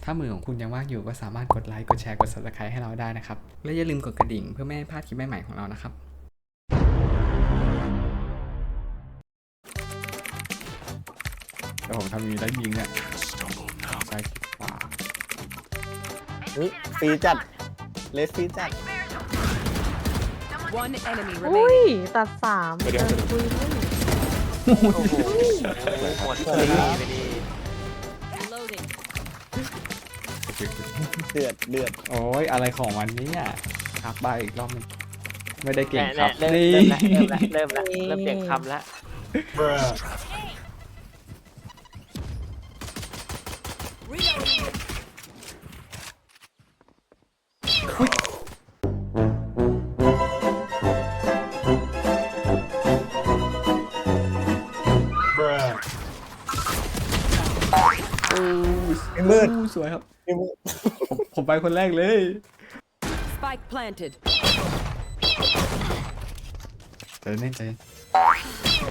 ถ้ามือของคุณยังว่างอยู่ก็สามารถกดไลค์ กดแชร์ กด Subscribe ให้เราได้นะครับ และอย่าลืมกดกระดิ่งเพื่อไม่ให้พลาดคลิปใหม่ๆของเรานะครับเดี๋ยวผมทำมีได้ยิงเนี่ยซ้ายขวาฟรีจัดเลสฟรีจัด One enemy อุ้ย remaining. ตัดสามเดินคุยเลยโอ้โหหมดไปดีไปดี Reloading. เดือดโอ้ยอะไรของวันนี้อ่ะครับบายอีกรอบหนึงไม่ได้เก่งคแน่รับเริ่มนี่เริ่มเปลี่ยนคำละมืดสวยครับมืดผมไปคนแรกเลย Spike planted. ใจเย็นใจเย็น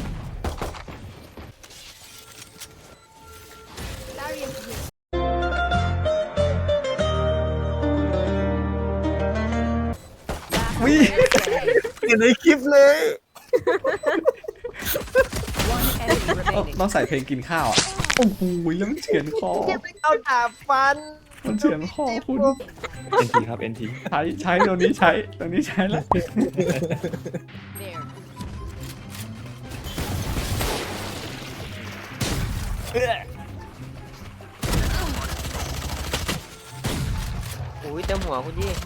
วิเห็นในคลิปเลย One enemy remaining. ต้องใส่เพลงกินข้าวอ่ะโอ้โหแล้วมันเฉือนคอเอาดาบฟันมันเฉือนคอคุณ NT ครับ NT ใช้ตัวนี้ใช้ตัวนี้ใช้แล้ว There. อุ้ยเต็มหัวคุณยี่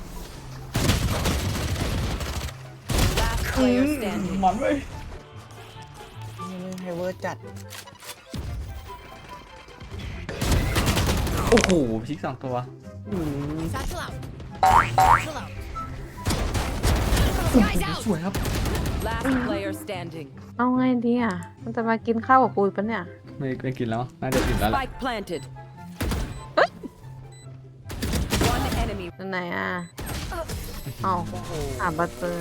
Last player standing. มันเว้ยไฮเวอร์จัดโอ้โหพิกสองตัว Satchel out. สวยครับ Last player standing. เอาไงดีอ่ะ มันจะมากินข้าวกับกูปะเนี่ยไม่กินแล้วน่าจะกินแล้วแหละ Spike planted. One enemy. อันไหนอ่ะเอาหาบัตเตอร์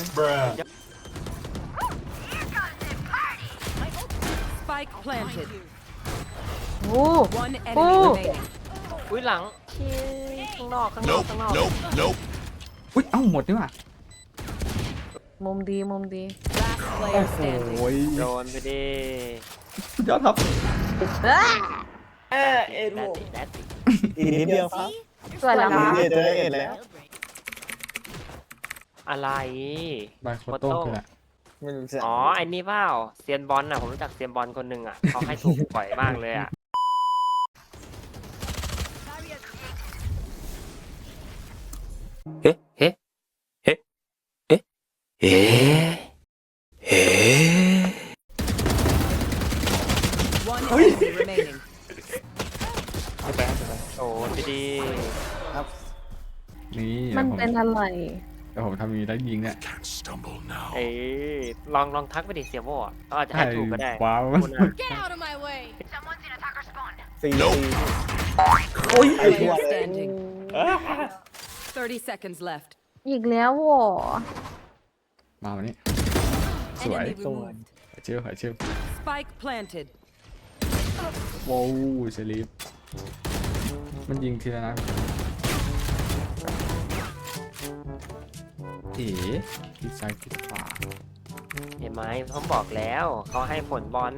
Spike planted. โอ้ One enemy Oh. remaining. อุ้ยหลังที่ข้างนอกอุ้ยเอ้าหมดนี่หว่ามุมดีมุมดี Last โอ้ player โห standing. โดนไปดิสุดยอดครับแดดติอีกนิดเดียวครับสวยแล้วอีกมั้นิดเดียวจะได้เอ็ดแล้วอะไรบายโคโต้คืออะไรไม่รู้จะอ๋อไอ้นี่เปล่าเซียนบอลน่ะผมรู้จักเซียนบอลคนหนึ่งอ่ะเขาให้ถูกบ่อยมากเลยอ่ะเฮ้เฮ้เฮ้เฮ้เฮ้เฮ้ One enemy remaining. โดนไปดิครับนี่มันเป็นอะไรเดี๋ยวผมทำมีได้ยิงเนี่ยเอ้ยลองทักไปดิเสียโม่อะเขาอาจจะให้ถูกก็ได้ว้าวคุณอะ Get out of my way. ฟรีโอ้ย Player standing. 30 seconds left. อีกแล้วเหรอมาวันนี้สวย Enemy removed. หายเชื่อหายเชื่อ Spike planted. ว้าวเซลีฟมันยิงทีละนัดเอ๋ทิศซ้ายทิศขวาเห็นไหมผมบอกแล้วเขาให้ผลบอล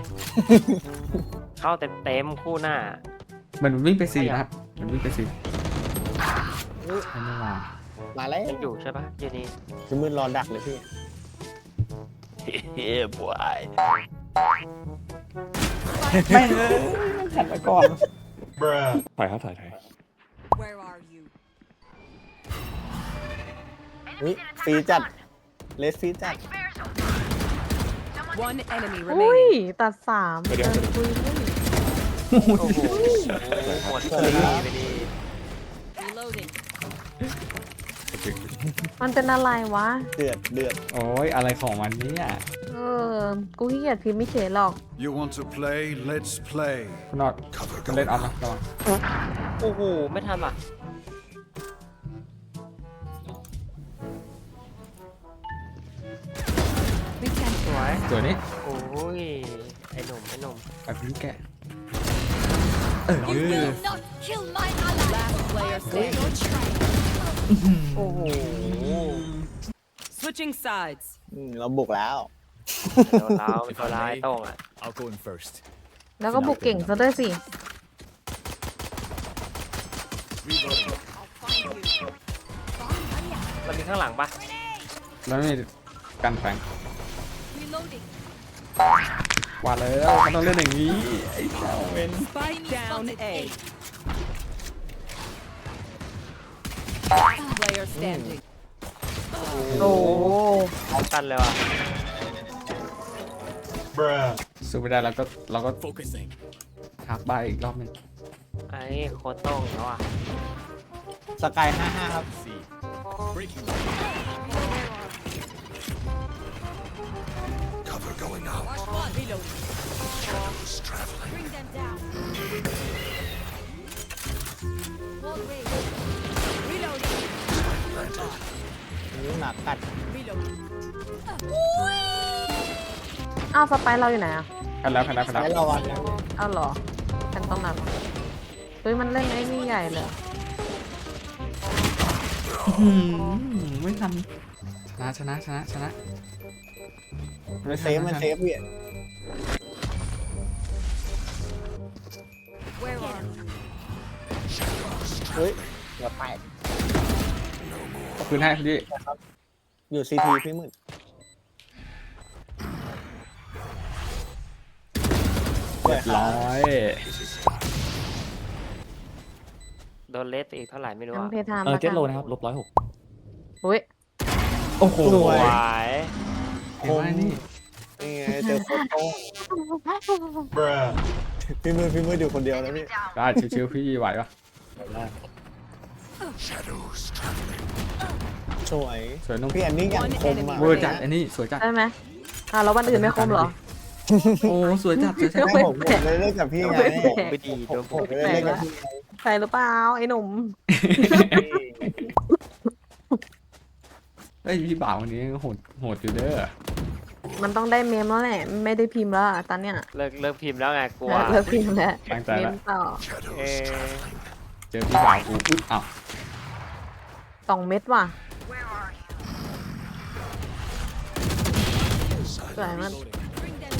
เข้าเต็มคู่หน้ามันวิ่งไปสี่นะครับมันวิ่งไปสี่ใช่ไม่มามาแล้วยังอยู่ใช่ปะอยู่นี่จะมืดรอดักเลยพี่เฮ้ยบวยไม่เลยมันขัดมาก่อนถ่ายครับถ่าย Where are you? ฟรีจัดเลสฟรีจัด One enemy อุ้ย remaining. ตัดสามเดินคุยเลยโอ้โหหมดไปดีไปดี Reloading. มันเป็นอะไรวะเดือดโอ้ยอะไรของวันนี้อ่ะเออ กูขี้เกียจพิมพ์ไม่เฉยหรอก You want to play? Let's play. คุณนอดคุณเล่นออฟนะระวังโอ้โหไม่ทันว่ะ สวยตัวนี้โอ้ยไอ้หนุ่มไปพื้นแกะ You will not kill my Player standing. โอ้โห Switching sides. เราบุกแล้วโดนเราเป็นตัวร้ายโต้งอ่ะ I'll go in first. แล้วก็บุกเก่งซะด้วยสิมันมีข้างหลังปะแล้วไม่มีกันแฝงว่าแล้วมันต้องเล่นอย่างนี้ไอ้เจ้าเวน Spike down A. Player standing. โอ้โหพร้อมกันเลยว่ะสู้ไม่ได้เราก็หักใบอีกรอบหนึงไอ้โคตรโต้งแล้วอ่ะสกาย55ครับ Cover going out. Shadows traveling. Bring them down. Wall raised. Reloading. Planted. นี่หมากัด Reloading. อ้าวสไปร์เราอยู่ไหนอ่ะกันแล้วให้ระวังนะอ้าวเหรอกันตรงนั้นเหรอเฮ้ยมันเล่นไอ้นี่ใหญ่เลยไม่ทันชนะไม่เซทัฟมันเซฟพี่ Where are you? เฮ้ยอย่าแตกขอบคุณให้พี่อยู่ซีทีพี่มืดเรียบร้อยโดนเลสไปอีกเท่าไหร่ไม่รู้ยังอ่ะเพทามเจ็ดโลนะครับ-106 อุ้ยโอ้โหสวยหวายเห็นไหมนี่นี่ไงเจอโคตรโต้งพี่มืดอยู่คนเดียวแล้วพี่ได้ชิวๆพี่ไหวปะ Shadows traveling. สวยสวยนุ่มพี่อันนี้อย่างคมอ่ะเวอร์จัดอันนี้สวยจัดได้ไหมแล้ววันอื่นไม่คมเหรอโอ้สวยจัดให้ผมเลยเล่นกับพี่ไงไม่ดีโดนผมเลยเล่นกับพี่ใส่หรือเปล่าไอ้หนุ่มเฮ้ยพี่บ่าววันนี้โหดอยู่เด้อมันต้องได้เมมแล้วแหละไม่ได้พิมพ์แล้วอะตอนเนี้ยเลิกพิมพ์แล้วไงกลัวเลิกพิมพ์แล้วตั้งใจเมละมต่อเอ Shadows อเจอพี่บ่าวอุ๊บอ้าว 2 เม็ดว่ะสวยมาก Bring them down.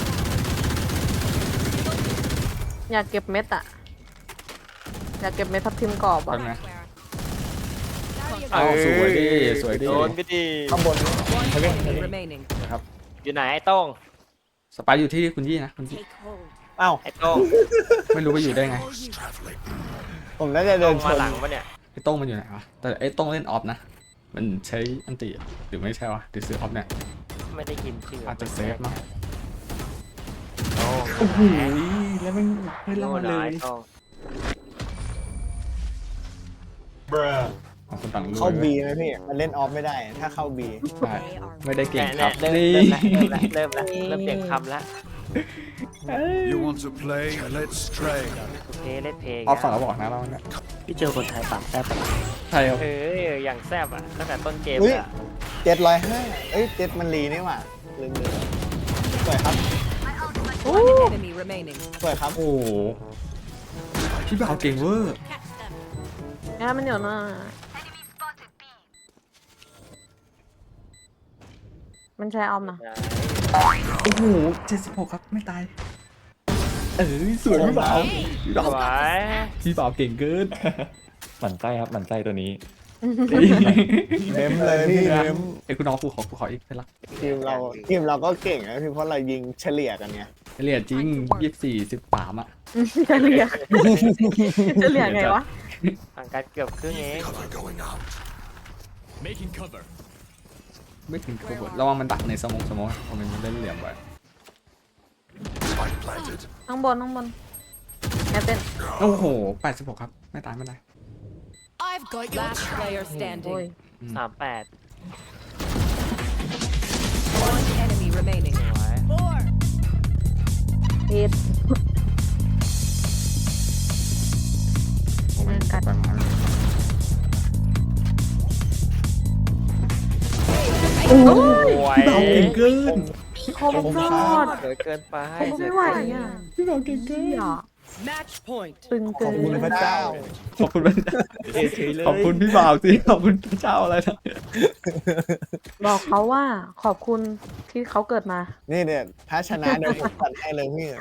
อยากเก็บเม็ดอะอยากเก็บเม็ดทับทิมกรอบแป๊อ่ะบนะ Barrier อ้าวสวยดิสวยดิโดนไปดีข้างบน One enemy remaining. นะครับอยู่ไหนไอ้โต้งสไปร์อยู่ที่คุณยี่นะคุณยี่ take hold. อ้าวไอ้โต้งไม่รู้ว่าอยู่ได้ไง traveling. ผมน่าจะเดิโต้นงชมาน หลังปะเนี่ยไอ้โต้งมันอยู่ไหนวะแต่ไอ้โต้งเล่นออฟนะมันใช้อันติหรือไม่ใช่วะหรือซื้อออฟเนี่ยไม่ได้ยินชื่ออาจจะเซฟมั้งโต้งโอ้โหแล้วมันเฮ้ยโดเรานมาหเลลายยโต้งของคนต่างรู้เข้าบีไหมพี่มันเล่นออฟไม่ได้ ถ้าเข้าบีใช่ไม่ได้เก่งคแน่รับๆเริ่มนี่เริ่มเปลี่ยนคำแล้ว You want to play? Let's trade. โอเคเล่นเพลงออฟสองเราบอกนะเราเนี่ยพี่เจอคนไทยปากแซ่บใช่ครับอย่างแซ่บอ่ะตั้งแต่ต้นเกมอุ้ยอ่ะ 705เอ้ยเจ็ดมันรีนี่หว่าลืมสวยครับ One enemy remaining. สวยครับโอ้โหพี่บ่าวเก่งเวอร์งั้นมันอยู่น่ะมันใช้ออมนะโอ้โห76ครับไม่ตายสวยพี่บ่าวพี่บ่าวสวยพี่บ่าวเก่งเกินหมั่นไส้ครับหมั่นไส้ตัวนี้เมมเลยพี่เมมไอ้คุณน้องกูขออีกเป็นละทีมเราก็เก่งนะพี่เพราะเรายิงเฉลี่ยกันไงเรียนจริง24 13อ่ะจะเหลี่ยจะเหลี่ยไงวะห่างกันเกือบครึ่งเอง Cover going out. ไม่ถึงขบวนระวังมันดักในสมองผมมันเล่นเหลี่ยมไว้ Spike planted. ข้างบนแอบเต้นโอ้โห86ครับไม่ตายไม่ได้ I've got your Last player โอ้ย standing. 38 One enemy remaining. สวย more. เอ็ดผมไม่กัดไปมาโอ้ยสวยพี่บ่าวเก่งเกินคมยอดเหลือเกินไปคมไม่ไหวอ่ะพี่บ่าวเก่งเกินอ่ะ Match point. ตึงขเกิอบนคุณพระเจ้าขอบคุณพระเจ้าขอบคุณพี่บ่าวสิขอบคุณพระเจ้าอะไรนะบอกเขาว่าขอบคุณที่เขาเกิดมานี่เนี่ยถ้าชนะเดี๋ยวผมจัดให้เลยพี่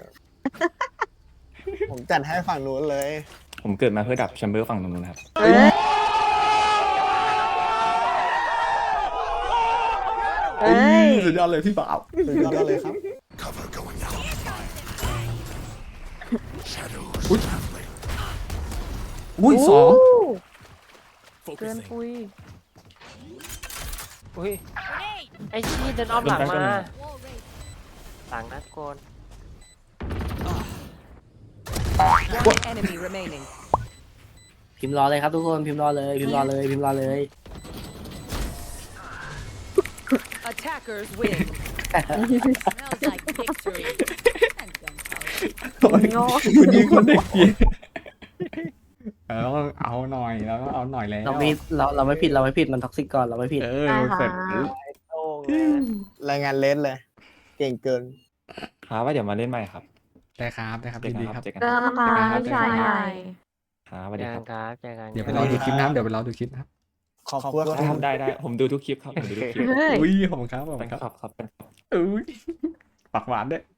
ผมจัดให้ฝั่งนู้นเลยผมเกิดมาเพื่อดับแชมเบอร์ฝั่งนู้นนะครับเอ้ยเอ้ยสุดยอดเลยพี่บ่าวสุดยอดเลยครับ Cover going out. Shadows Ui. traveling. อุ้ยสองเกินปุยอุ้ย Grenade. ไอ้ที่เดินอ้อมหลังมา Wall raised. หลังนัดโกน One enemy remaining. พิมพ์รอเลยครับทุกคนพิมพ์รอเลยพิมพ์รอเลยพิมพ์รอเลย Attackers win. Smells like victory. And gunpowder. โอ้ยคุณยิงคนเด็กเกียร์แล้วก็เอาหน่อยแล้วก็เอาหน่อยแล้วเราไม่ผิดมันท็อกซิกก่อนเราไม่ผิดได้ค่ะเสร็จโต้งเลยนะรายงานเลสเลย เก่งเกินครับว่าเดี๋ยวมาเล่นใหม่ครับได้ครับได้ครับเจอยินกันดีคครัรับบ เจอกันเจอครับกันนะคะพี่ชายใหญ่ครับสวัสเจดีอคกัรับนครับเจอกันเดี๋ยวไปรอดูคลิปนะครับเดี๋ยวไปรอดูคลิปนะครับขอบคุณครับได้ผมดูทุกคลิปครับผมดูทุกคลิปเฮ้ยอุ้ยขอบคุณครับขอบแฟคุนณครับคลับครับอุ้ยปากหวานด้วย